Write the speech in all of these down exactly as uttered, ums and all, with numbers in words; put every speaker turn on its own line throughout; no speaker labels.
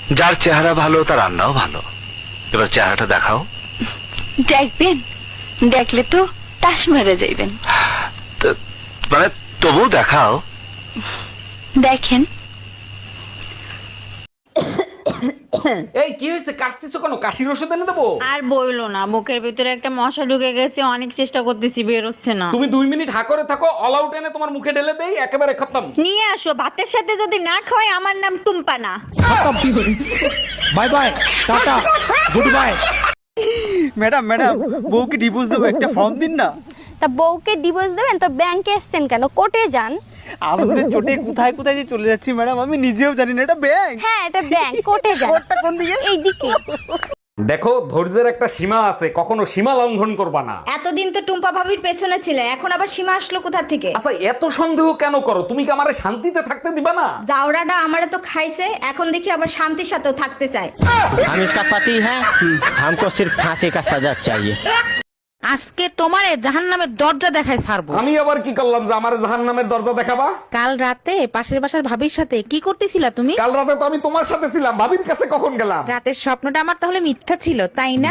যার চেহারা ভালো তার রান্নাও ভালো। এবার চেহারাটা দেখাও।
দেখবেন, দেখলে তো তাস মেরে যাইবেন।
তো- মানে তবু দেখাও।
দেখেন।
এই কি হয়েছে, কাশতেছো কেন? কাশির ওষুধ এনে দেবো?
আর বইলো না, বুকের ভিতরে একটা মশা ঢুকে গেছে, অনেক চেষ্টা করতেছি, বের হচ্ছে না।
তুমি দুই মিনিট হা করে থাকো, অল আউট এনে তোমার মুখে ঢেলে দেই, একেবারে খতম।
নিয়ে আসো, ভাতের সাথে যদি না খাওয়াই আমার নাম টুম্পা না।
Bye bye, tata, goodbye. Madam madam বউকে ডিভোর্স দেবো, একটা ফর্ম দিন না।
তা বউকে ডিভোর্স দেবেন তো ব্যাংকে এসছেন কেন? কোর্টে যান।
আমাদের চোটে কোথায় কোথায় যে চলে যাচ্ছি ম্যাডাম, আমি নিজেও জানি না। এটা ব্যাংক।
হ্যাঁ, এটা ব্যাংক, কোর্টে যান।
কোর্টটা কোন দিকে?
এইদিকে।
দেখো, ধৈর্যের একটা সীমা আছে, কখনো সীমা লঙ্ঘন করবা না।
এতদিন তো টুম্পা ভাবির পেছনে ছিলে, এখন আবার সীমা আসলো কোথা থেকে?
আচ্ছা, এত সন্দেহ কেন করো? তুমি কি আমারে শান্তিতে থাকতে দিবা না?
জাউরাটা আমারে তো খাইছে, এখন দেখি আবার শান্তির সাথেও থাকতে চায়।
हम इसका पति है, हमको सिर्फ फांसी का सजा चाहिए।
আজকে তোমারে জাহান্নামের দরজা দেখায় ছাড়বো।
আমি আবার কি করলাম যে আমার জাহান্নামের দরজা দেখাবা?
কাল রাতে পাশের বাসার ভাবির সাথে কি করতেছিলা তুমি?
কাল রাতে তো আমি তোমার সাথে ছিলাম, ভাবির কাছে কখন গেলাম?
রাতের স্বপ্নটা আমার তাহলে মিথ্যা ছিল, তাই না?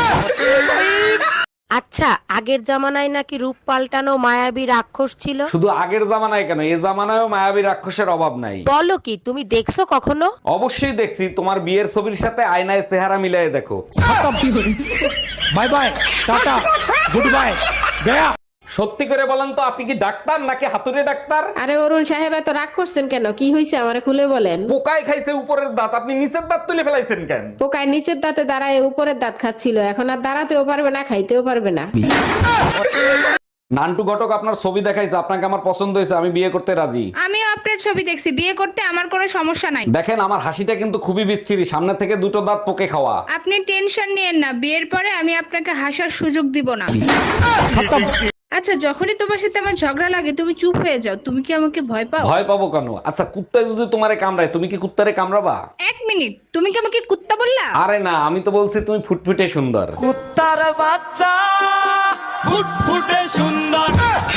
আচ্ছা, আগের জামানায় নাকি রূপ পাল্টানো মায়াবী রাক্ষস ছিল।
শুধু আগের জামানায় কেন, এই জামানায়ও মায়াবী রাক্ষসের অভাব নাই।
বলো কি, তুমি দেখছো কখনো?
অবশ্যই দেখছি, তোমার বিয়ের ছবির সাথে আয়নায় চেহারা মিলাই দেখো।
Bye bye, tata, goodbye, গয়া।
সত্যি করে বলেন তো, আপনি কি ডাক্তার নাকি হাতুড়ে ডাক্তার?
আরে অরুণ সাহেব, এত রাগ করছেন কেন? কি হয়েছে আমারে খুলে বলেন।
পোকায় খাইছে উপরের দাঁত, আপনি নিচের দাঁত তুলে ফেলাইছেন কেন?
পোকায় নিচের দাঁতে দাঁড়ায় উপরের দাঁত খাচ্ছিল, এখন আর দাঁড়াতেও পারবে না, খাইতেও পারবে না।
নান্টু ঘটক আপনার ছবি দেখাইছে, আপনাকে আমার পছন্দ হয়েছে, আমি বিয়ে করতে রাজি।
আমিও আপনার ছবি দেখছি, বিয়ে করতে আমার কোনো সমস্যা নাই।
দেখেন, আমার হাসিটা কিন্তু খুবই বিচ্ছিরি, সামনে থেকে দুটো দাঁত পোকে খাওয়া।
আপনি টেনশন নিয়েন না, বিয়ের পরে আমি আপনাকে হাসার সুযোগ দিব না। আচ্ছা, যখনই তোমার সাথে আমার ঝগড়া লাগে তুমি চুপ হয়ে যাও, তুমি কি আমাকে ভয় পাও?
ভয় পাবো কেন? আচ্ছা, কুত্তায় যদি তোমারে কামড়ায়, তুমি কি কুত্তারে কামড়াবা?
এক মিনিট, তুমি কি আমাকে কুত্তা বললা?
আরে না, আমি তো বলছি তুমি ফুটফুটে সুন্দর।
কুত্তার বাচ্চা ফুটফুটে সুন্দর।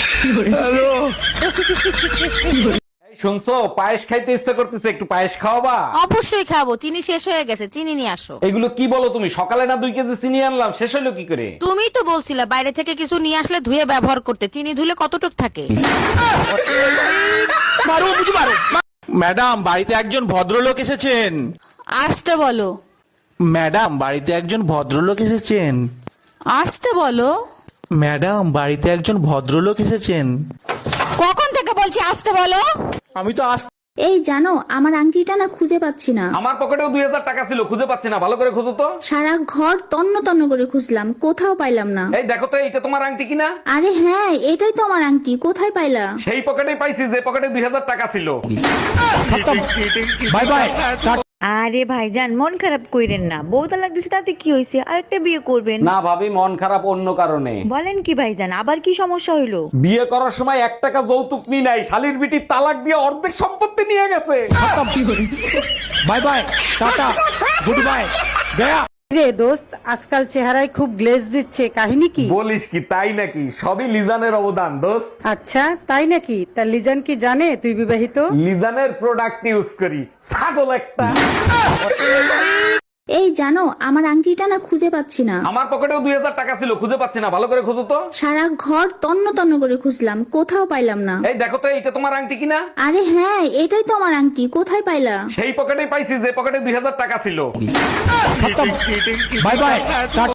এই শুনছো, পায়েস খাইতে ইচ্ছা করতেছে, একটু পায়েস খাওয়াবা?
অবশ্যই খাবো, চিনি শেষ হয়ে গেছে, চিনি নিয়ে আসো।
এগুলো কি বলো তুমি? সকালে না দুই কেজি চিনি আনলাম, শেষ হলো কি করে?
তুমি তো বলছিলা বাইরে থেকে কিছু নিয়ে আসলে ধুয়ে ব্যবহার করতে, চিনি ধুলে কতটুক থাকে?
ম্যাডাম, বাড়িতে একজন ভদ্রলোক এসেছেন।
আসতে বলো।
ম্যাডাম, বাড়িতে একজন ভদ্রলোক এসেছেন।
আসতে বলো।
ম্যাডাম, বাড়িতে একজন ভদ্রলোক এসেছেন।
কখন থেকে বলছি আসতে বলো?
আমি তো আস
এই জানো, আমার আংটিটা না খুঁজে পাচ্ছি না।
আমার পকেটেও দুই হাজার টাকা ছিল, খুঁজে পাচ্ছি না, ভালো করে খুঁজো তো।
সারা ঘর তন্ন তন্ন করে খুঁজলাম, কোথাও পাইলাম না।
এই দেখো তো, এইটা তোমার আংটি কিনা?
আরে হ্যাঁ, এটাই তো আমার আংটি, কোথায় পাইলা?
সেই পকেটেই পাইছি যে পকেটে দুই হাজার টাকা ছিল।
Bye bye, tata.
আরে ভাইজান, মন খারাপ কইরেন না, বউ তালাক দিছে তাতে কি হয়েছে, আরেকটা বিয়ে করবেন।
না ভাবি, মন খারাপ অন্য কারণে।
বলেন কি ভাইজান, আবার কি সমস্যা হইলো?
বিয়ে করার সময় এক টাকা যৌতুক নি নাই, শালির বিটি তালাক দিয়ে অর্ধেক সম্পত্তি নিয়ে গেছে।
Bye bye, tata, goodbye, গয়া।
রে দোস্ত, আজকাল চেহারায় খুব গ্লেজ দিচ্ছে, কাহিনী কি?
বলিস কি, তাই নাকি? সবই লিজানের অবদান দোস্ত।
আচ্ছা, তাই নাকি? তা লিজান কি জানে তুই বিবাহিত?
লিজানের প্রোডাক্ট ইউজ করি, ছাগল একটা।
এই জানো, আমার আংটিটা না খুঁজে পাচ্ছি না।
আমার পকেটেও দুই হাজার টাকা ছিল, খুঁজে পাচ্ছি না, ভালো করে খুঁজো তো।
সারা ঘর তন্ন তন্ন করে খুঁজলাম, কোথাও পাইলাম না।
এই দেখো তো, এইটা তোমার আংটি কিনা?
আরে হ্যাঁ, এটাই তো আমার আংটি, কোথায় পাইলা?
সেই পকেটেই পাইছি যে পকেটে দুই হাজার টাকা ছিল।
Bye bye, tata.